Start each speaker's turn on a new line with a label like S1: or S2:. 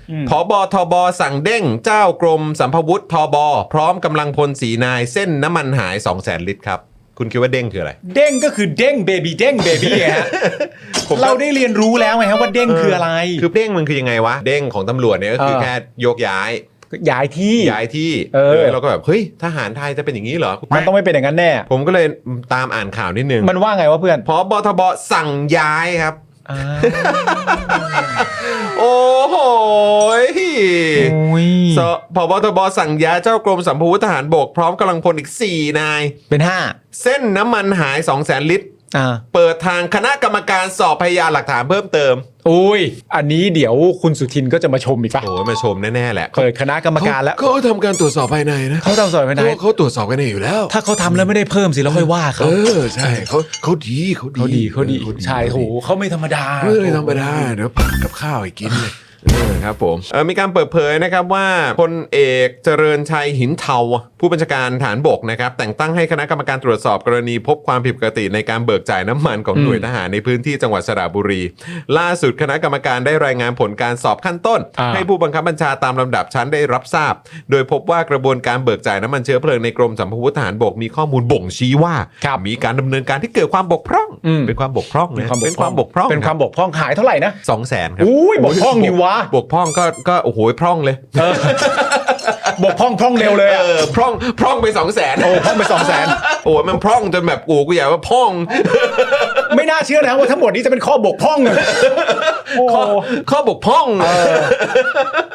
S1: ผบ.ทบ.สั่งเด้งเจ้ากรมสัมภวุธทบ.พร้อมกำลังพล4 นายเส้นน้ำมันหาย 200,000 ลิตรครับคุณคิดว่าเด้งคืออะไร
S2: เด้งก็คือเด้งเบบี้เด้งเบบี้ฮะ เราได้เรียนรู้แล้วไงครับว่าเด้งคืออะไร
S1: คือเด้งมันคือยังไงวะเด้งของตำรวจเนี่ยก็คือแค่โยกย้ายที่เราก็แบบเฮ้ยทหารไทยจะเป็นอย่างนี้เหรอ
S2: มันต้องไม่เป็นอย่างนั้นแน่
S1: ผมก็เลยตามอ่านข่าวนิดนึง
S2: มันว่าไงวะเพื่อน
S1: ผบ.ทบ.สั่งย้ายครับโอ้โหผบ.ทบ.สั่งย้ายเจ้ากรมสัมภวุธทหารบกพร้อมกำลังพลอีก4 นาย
S2: เป็น
S1: 5เส้นน้ำมันหาย 200,000 ลิตรเปิดทางคณะกรรมการสอบพยานหลักฐานเพิ่มเติม
S2: อุ้ยอันนี้เดี๋ยวคุณสุทินก็จะมาชมอีกป่ะ
S1: โอ้มาชมแน่ๆแหละ
S2: เปิดคณะกรรมการแล้ว
S1: เขาทำการตรวจสอบภายในนะ
S2: เขาทำสอบภายใน
S1: เขาตรวจสอบกันเองอยู่แล้ว
S2: ถ้าเขาทำแล้วไม่ได้เพิ่มสิแล้วค่อยว่าเขา
S1: ใช่เขาดี
S2: ใช่โหเขาไม่ธรรมดา
S1: เดี๋ยวผัดกับข้าวให้กินเลยครับผมมีการเปิดเผยนะครับว่าพลเอกเจริญชัยหินเทาผู้บัญชาการฐานบกนะครับแต่งตั้งให้คณะกรรมการตรวจสอบกรณีพบความผิดปกติในการเบิกจ่ายน้ำมันของหน่วยทหารในพื้นที่จังหวัดสระบุรีล่าสุดคณะกรรมการได้รายงานผลการสอบขั้นต้นให้ผู้บังคับบัญชาตามลำดับชั้นได้รับทราบโดยพบว่ากระบวนการเบิกจ่ายน้ำมันเชื้อเพลิงในกรมสัมภวุธทหารบกมีข้อมูลบ่งชี้ว่ามีการดำเนินการที่เกิดความบกพร่องเป็นความบกพร่องนะเป็นความบกพร่อง
S2: หายเท่าไหร่นะ
S1: 200,000ครับ
S2: อุ้ยบกพร่องนี่วะ
S1: บกพร่องก็โอ้โหพร่องเลย
S2: บกพร่องเร็วเลย
S1: พร่องไป 200,000
S2: โอ้พร่องไป
S1: 200,000โอ้มันพร่องจนแบบกูอยากว่าพร่อง
S2: ไม่น่าเชื่อนะว่าทั้งหมดนี้จะเป็นข้อบกพร่อง
S1: ข้อบกพร่อง